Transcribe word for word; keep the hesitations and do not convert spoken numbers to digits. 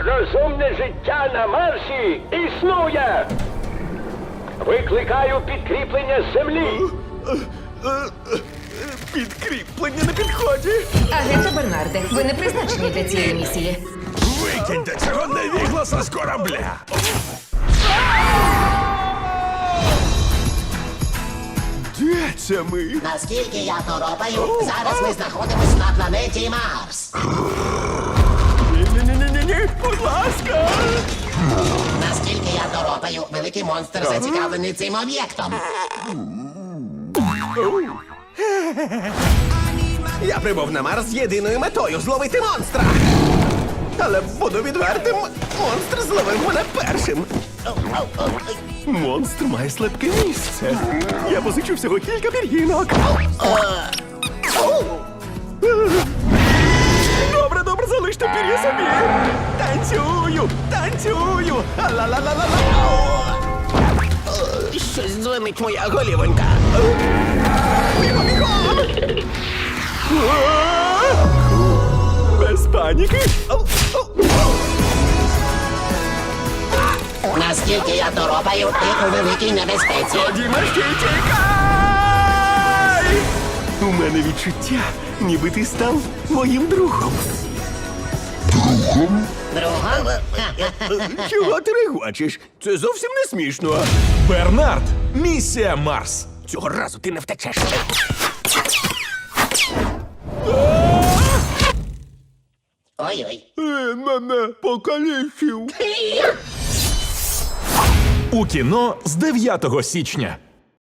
Розумне життя на Марсі існує! Викликаю підкріплення з землі! Підкріплення на підході. Агенте Бернарде, ви не призначені для цієї місії. Викиньте цього невігласа з корабля! Де це ми? Наскільки я торопаю, зараз ми знаходимось на планеті Марс. Ні-ні-ні-ні-ні, будь ласка. Наскільки я торопаю, великий монстр зацікавлений цим об'єктом. Я прибув на Марс з єдиною метою зловити монстра. Але буду відвертим, монстр зловив мене першим. Монстр має слабке місце. Я позичу всього кілька пір'їнок. Добре, добре, залиште пір'я собі. Танцюю, танцюю. Ла-ла-ла-ла-ла. Щось дзвонить моя голівонька. Бігом, бігом! Без паніки. Наскільки я торопаю, ти у великій небезпеці. Дімашки, тікай! У мене відчуття, ніби ти став моїм другом. Другом? Чого ти регочеш? Це зовсім не смішно. Бернард, місія Марс. Цього разу ти не втечеш. Ой-ой. Е, мене покалічив. У кіно з дев'ятого січня.